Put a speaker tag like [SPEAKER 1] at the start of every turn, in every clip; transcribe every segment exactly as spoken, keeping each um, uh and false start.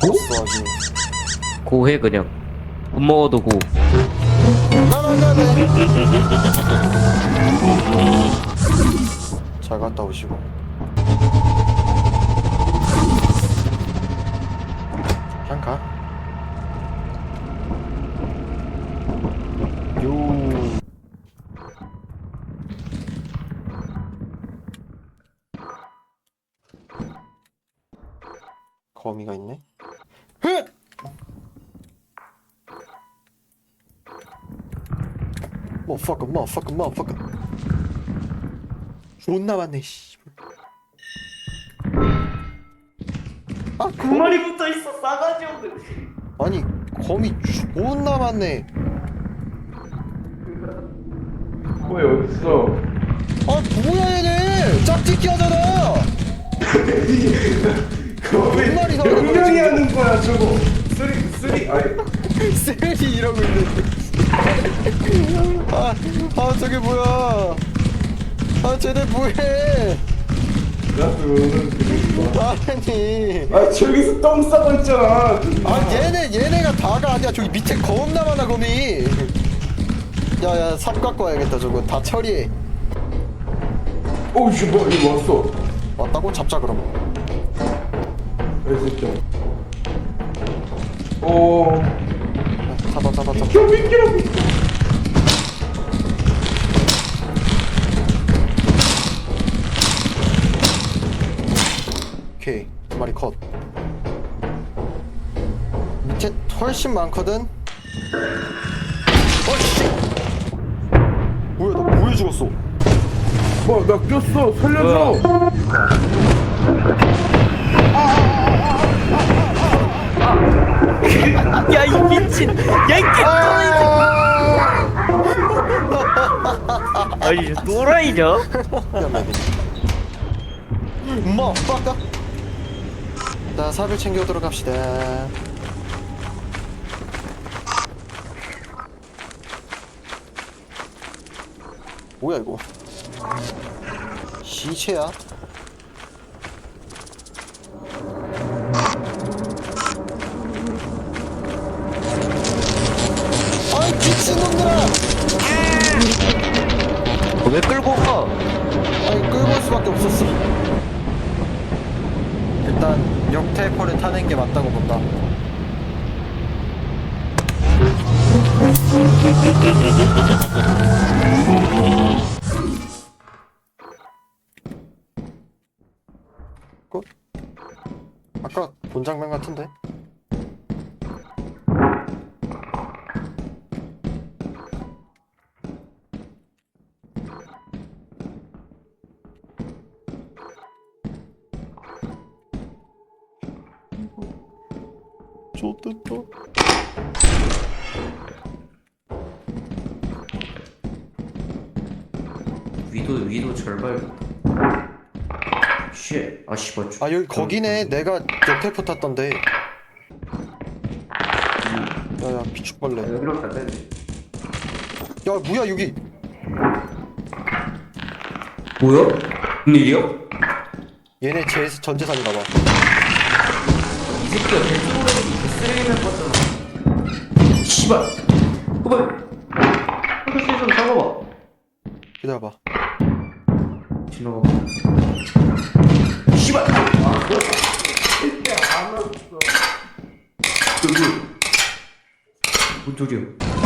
[SPEAKER 1] 졌어 아주.
[SPEAKER 2] 고해 그냥. 못 먹어도 고.
[SPEAKER 1] 나나나네. 잘 갔다 오시고. 그냥 가. 요. 거미가 있네. 흐! 머퍼커 머퍼커 머퍼커. 존나 많네 씨. 아
[SPEAKER 3] 두
[SPEAKER 1] 거미.
[SPEAKER 3] 마리 붙어 있어 싸가지 없는.
[SPEAKER 1] 아니 거미 존나 많네.
[SPEAKER 3] 거기 어딨어?
[SPEAKER 1] 아 뭐야 얘네 짝짓기 하잖아. 몇 마리나 하는 거야,
[SPEAKER 3] 명령이
[SPEAKER 1] 지금?
[SPEAKER 3] 하는 거야 저거. 쓰리 쓰리 아니
[SPEAKER 1] 셀이 이러고 있는데. 아, 아 저게 뭐야? 아 쟤네 뭐해?
[SPEAKER 3] 나도 오는 그거.
[SPEAKER 1] 아니.
[SPEAKER 3] 아 저기서 똥 싸고 있잖아.
[SPEAKER 1] 아 얘네 얘네가 다가 아니야. 저기 밑에 겁나 많아 거미. 야야 삽 갖고 와야겠다 저거 다 처리해.
[SPEAKER 3] 오씨 뭐 이거 왔어.
[SPEAKER 1] 왔다고 잡자 그럼.
[SPEAKER 3] 알겠죠. 오.
[SPEAKER 1] 잡아 잡아 잡아.
[SPEAKER 3] 비켜 비켜 비켜.
[SPEAKER 1] 오케이 두 마리 컷. 밑에 훨씬 많거든. 어씨. 뭐야 나 뭐해 죽었어?
[SPEAKER 3] 뭐나 꼈어 살려줘.
[SPEAKER 2] 야 이 미친. 야 이 개. 아니 또라이냐?
[SPEAKER 1] 엄마 빠까. 자 삽을 챙겨오도록 합시다. 뭐야 이거? 시체야? 아이 미친놈들아!
[SPEAKER 2] 왜 끌고 가?
[SPEAKER 1] 아니 끌고 올 수밖에 없었어. 일단 역테이퍼를 타는 게 맞다고 본다. 그? 아까 본 장면 같은데? 좋댔다.
[SPEAKER 2] 위도 위도 절발. 쉣. 아 씨발.
[SPEAKER 1] 아 여기 거기네. 내가 역테이퍼 탔던데. 야야 비축벌레.
[SPEAKER 2] 여기로 가야 돼.
[SPEAKER 1] 야 뭐야 여기.
[SPEAKER 2] 뭐야? 무슨 일이야?
[SPEAKER 1] 얘네 제 전재산인가봐.
[SPEAKER 2] 이 새끼가 개쓰레기 개쓰레기만 봤잖아. 씨발. 그만. 한글씨 좀 잡아봐.
[SPEAKER 1] 기다려봐.
[SPEAKER 2] 지나가. 씨발. 아, 그래?
[SPEAKER 3] 안 왔어.
[SPEAKER 2] 여기. 뭔 소리야?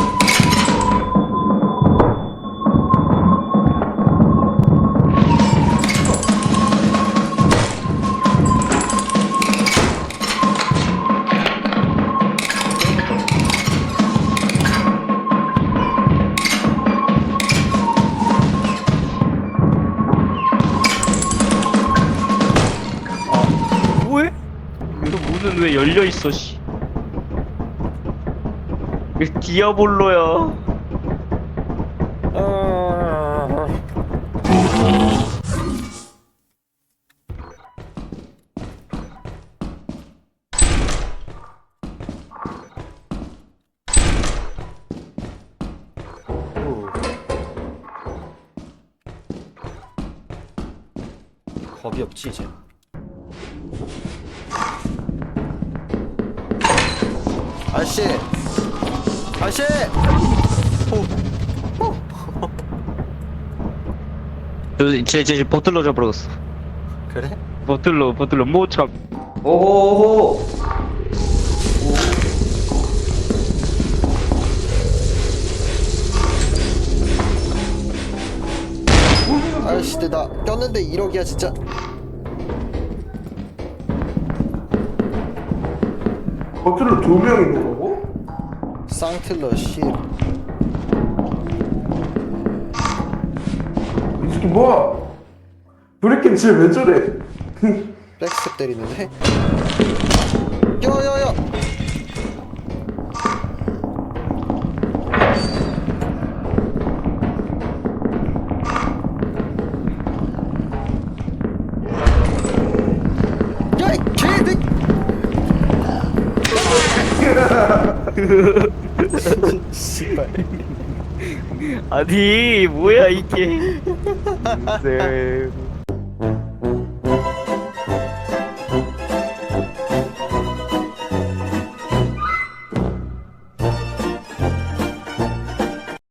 [SPEAKER 2] 뭐해? 이거 문은 왜 열려 있어, 씨. 이거 디아볼로야.
[SPEAKER 1] 아... 오. 겁이 없지 이제. 아저씨 아저씨 오.
[SPEAKER 2] 저쟤쟤 버틀러 잡으러갔어.
[SPEAKER 1] 그래?
[SPEAKER 2] 버틀러 버틀러 못 참.
[SPEAKER 4] 오호호.
[SPEAKER 1] 아저씨 나 꼈는데 일억이야 진짜.
[SPEAKER 3] 버튼을 두 명 있는 거고?
[SPEAKER 1] 쌍틀러 씨.
[SPEAKER 3] 이 새끼 뭐야? 브레이크는 쟤왜 저래?
[SPEAKER 1] 백스텝 때리는데? 야야야! 야이 개새끼! 씨발.
[SPEAKER 2] 아니 뭐야 이게. 네.